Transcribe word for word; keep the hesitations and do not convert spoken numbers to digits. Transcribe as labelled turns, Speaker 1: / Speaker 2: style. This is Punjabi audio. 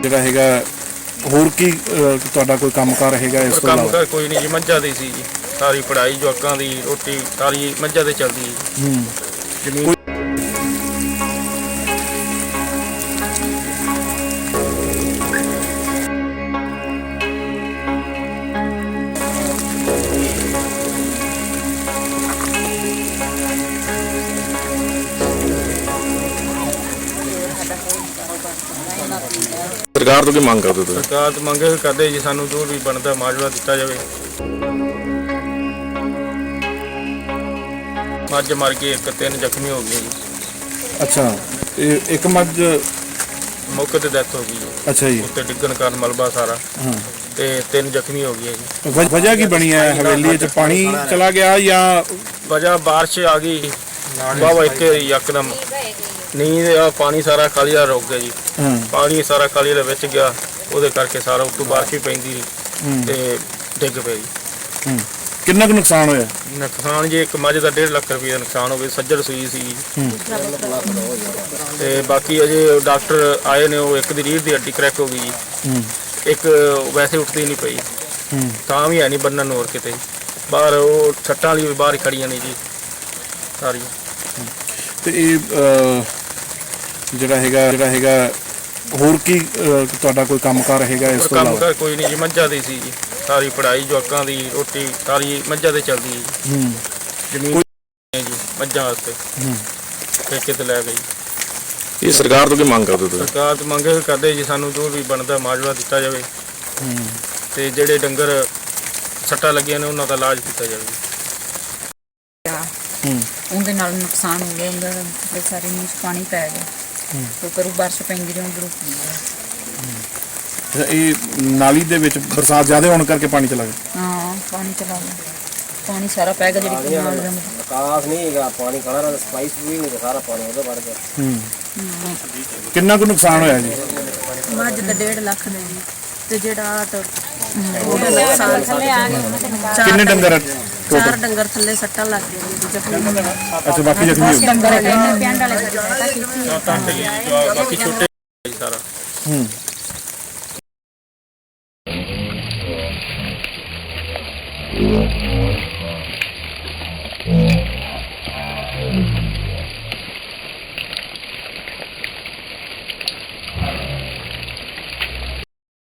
Speaker 1: ਜਿਹੜਾ ਹੈਗਾ ਹੋਰ ਕੀ ਤੁਹਾਡਾ ਕੋਈ ਕੰਮਕਾਰ ਹੈਗਾ ਇਸ ਤੋਂ ਇਲਾਵਾ?
Speaker 2: ਕੰਮਕਾਰ ਕੋਈ ਨਹੀਂ ਜੀ, ਮੱਝਾਂ ਦੀ ਸੀ ਜੀ, ਸਾਰੀ ਪੜ੍ਹਾਈ ਜਵਾਕਾਂ ਦੀ ਰੋਟੀ ਸਾਰੀ ਮੱਝਾਂ ਤੇ ਚੱਲਦੀ ਜੀ।
Speaker 1: ਹੂੰ
Speaker 2: ਜ਼ਮੀਨ
Speaker 1: ਸਰਕਾਰ ਤੋਂ ਕੀ ਮੰਗ ਕਰਦੇ ਤੁਸੀਂ?
Speaker 2: ਸਰਕਾਰ ਤੋਂ ਮੰਗ ਇਹ ਕਰਦੇ ਜੀ, ਸਾਨੂੰ ਜੋ ਵੀ ਬਣਦਾ ਮੁਆਵਜ਼ਾ ਦਿੱਤਾ ਜਾਵੇ। ਮੱਝ ਮਰ ਗਈ, ਇੱਕ ਤਿੰਨ ਜ਼ਖਮੀ ਹੋ ਗਏ ਜੀ।
Speaker 1: ਅੱਛਾ, ਇਹ ਇੱਕ ਮੱਝ
Speaker 2: ਮੌਕੇ ਤੇ ਡੈਥ ਹੋ ਗਈ ਜੀ।
Speaker 1: ਅੱਛਾ ਜੀ।
Speaker 2: ਉੱਤੇ ਡਿੱਗਣ ਕਾਰਨ ਮਲਬਾ ਸਾਰਾ,
Speaker 1: ਹਾਂ,
Speaker 2: ਤੇ ਤਿੰਨ ਜ਼ਖਮੀ ਹੋ ਗਏ ਜੀ।
Speaker 1: ਵਜ- ਵਜ੍ਹਾ ਕੀ ਬਣੀ ਹੈ? ਹਵੇਲੀ 'ਚ ਪਾਣੀ ਚਲਾ ਗਿਆ ਜਾਂ
Speaker 2: ਵਜ੍ਹਾ ਬਾਰਿਸ਼ ਆ ਗਈ ਵਾਹਵਾ, ਇੱਥੇ ਯਕਦਮ ਨੀਂਦ ਆ, ਪਾਣੀ ਸਾਰਾ ਖਾਲੀ ਦਾ ਰੁਕ ਗਿਆ ਜੀ।
Speaker 1: ਹਾਂ
Speaker 2: ਪਾਣੀ ਸਾਰਾ ਖਾਲੀ ਦੇ ਵਿੱਚ ਗਿਆ, ਉਹਦੇ ਕਰਕੇ ਸਾਰਾ ਉੱਤੋਂ ਬਾਰਿਸ਼ ਵੀ ਪੈਂਦੀ
Speaker 1: ਹੂੰ,
Speaker 2: ਤੇ ਡਿੱਗ ਪਿਆ ਜੀ।
Speaker 1: ਹੂੰ। ਕਿੰਨਾ ਕੁ ਨੁਕਸਾਨ ਹੋਇਆ?
Speaker 2: ਨੁਕਸਾਨ ਜੀ ਇੱਕ ਮੱਝ ਦਾ ਡੇਢ ਲੱਖ ਰੁਪਏ ਦਾ ਨੁਕਸਾਨ ਹੋ ਗਿਆ, ਸੱਜਰ ਸੂਈ ਸੀ।
Speaker 1: ਹੂੰ
Speaker 2: ਤੇ ਬਾਕੀ ਅਜੇ ਡਾਕਟਰ ਆਏ ਨੇ, ਉਹ ਇੱਕ ਦੀ ਰੀੜ੍ਹ ਦੀ ਹੱਡੀ ਕਰੈਕ ਹੋ ਗਈ ਜੀ,
Speaker 1: ਹੂੰ
Speaker 2: ਇੱਕ ਵੈਸੇ ਉੱਠਦੀ ਨਹੀਂ ਪਈ,
Speaker 1: ਹੂੰ
Speaker 2: ਤਾਂ ਵੀ ਹੈ ਨਹੀਂ ਬੰਨਣ ਨੂੰ ਹੋਰ ਕਿਤੇ। ਬਾਹਰ ਉਹ ਛੱਟਾਂ ਵਾਲੀ ਵੀ ਬਾਹਰ ਹੀ ਖੜੀਆਂ ਨੇ ਜੀ ਸਾਰੀਆਂ।
Speaker 1: ਤੇ ਇਹ ਅਹ, ਜਿਹੜਾ ਹੈਗਾ ਜਿਹੜਾ ਹੈਗਾ ਹੋਰ ਕੀ ਅਹ, ਤੁਹਾਡਾ ਕੋਈ ਕੰਮਕਾਰ ਹੈਗਾ ਇਸ ਤੋਂ ਇਲਾਵਾ?
Speaker 2: ਕੰਮਕਾਰ ਕੋਈ ਨਹੀਂ ਜੀ, ਮੱਝਾਂ ਦੀ ਸੀ ਜੀ, ਸਾਰੀ ਪੜ੍ਹਾਈ ਜਵਾਕਾਂ ਦੀ ਰੋਟੀ ਸਾਰੀ ਮੱਝਾਂ ਤੇ ਚੱਲਦੀ ਜੀ।
Speaker 1: ਹੂੰ
Speaker 2: ਜ਼ਮੀਨ ਹੈ ਜੀ ਮੱਝਾਂ ਵਾਸਤੇ,
Speaker 1: ਹੂੰ।
Speaker 2: ਠੇਕੇ ਤੇ ਲੈ ਗਈ।
Speaker 1: ਇਹ ਸਰਕਾਰ ਤੋਂ ਕੀ ਮੰਗ ਕਰਦੇ ਤੁਸੀਂ?
Speaker 2: ਸਰਕਾਰ ਤੋਂ ਮੰਗ ਇਹ ਕਰਦੇ ਜੀ, ਸਾਨੂੰ ਜੋ ਵੀ ਬਣਦਾ ਮੁਆਵਜ਼ਾ ਦਿੱਤਾ ਜਾਵੇ,
Speaker 1: ਹੂੰ
Speaker 2: ਤੇ ਜਿਹੜੇ ਡੰਗਰ ਸੱਟਾਂ ਲੱਗੀਆਂ ਨੇ ਉਹਨਾਂ ਦਾ ਇਲਾਜ ਕੀਤਾ ਜਾਵੇ।
Speaker 1: ਹੂੰ
Speaker 3: ਉਹਦੇ ਨਾਲ ਨੁਕਸਾਨ ਹੋ ਗਿਆ, ਉਹਦਾ ਤੇ ਸਾਰੇ ਨੀਚ ਪਾਣੀ ਪੈ ਗਿਆ।
Speaker 1: ਹੂੰ।
Speaker 3: ਤੇ ਕਰੂ ਬਾਰਿਸ਼ ਪੈਂਦੀ ਰਹੀ, ਉਧਰੋਂ
Speaker 1: ਅੱਛਾ, ਇਹ ਨਾਲੀ ਦੇ ਵਿੱਚ ਬਰਸਾਤ ਜ਼ਿਆਦਾ ਹੋਣ ਕਰਕੇ ਪਾਣੀ ਚਲਾ ਗਿਆ?
Speaker 3: ਹਾਂ ਪਾਣੀ ਚਲਾ ਗਿਆ, ਪਾਣੀ ਸਾਰਾ ਪੈ ਗਿਆ ਜਿਹੜੀ ਕਨਾਲ ਦਾ।
Speaker 4: ਕਾਸ ਨਹੀਂ ਹੈਗਾ, ਪਾਣੀ ਖੜਾ ਰਹਿੰਦਾ, ਸਪਾਈਸ ਵੀ ਨਹੀਂ, ਸਾਰਾ ਪਾਣੀ ਉਹਦੇ ਵੜ ਗਿਆ।
Speaker 1: ਹੂੰ ਕਿੰਨਾ ਕੁ ਨੁਕਸਾਨ ਹੋਇਆ ਜੀ?
Speaker 3: ਮੱਝ ਦਾ ਡੇਢ ਲੱਖ ਦੇ ਜੀ, ਤੇ ਜਿਹੜਾ ਆਟ ਉਹਦਾ ਨੁਕਸਾਨ ਥੱਲੇ ਆ ਗਿਆ।
Speaker 1: ਕਿੰਨੇ ਡੰਗਰ?
Speaker 3: ਚਾਰ ਡੰਗਰ ਥੱਲੇ ਸੱਟਾਂ ਲੱਗ ਗਈਆਂ ਜੀ, ਜ਼ਖਮੀ।
Speaker 1: ਅੱਛਾ, ਬਾਕੀ ਜ਼ਖਮੀ ਹੋ ਗਏ?
Speaker 3: ਡੰਗਰ ਹੈਗੇ ਨੇ ਪਿੰਡ ਵਾਲੇ
Speaker 2: ਬਾਕੀ ਛੋਟੇ ਸਾਰਾ।
Speaker 1: ਹੂੰ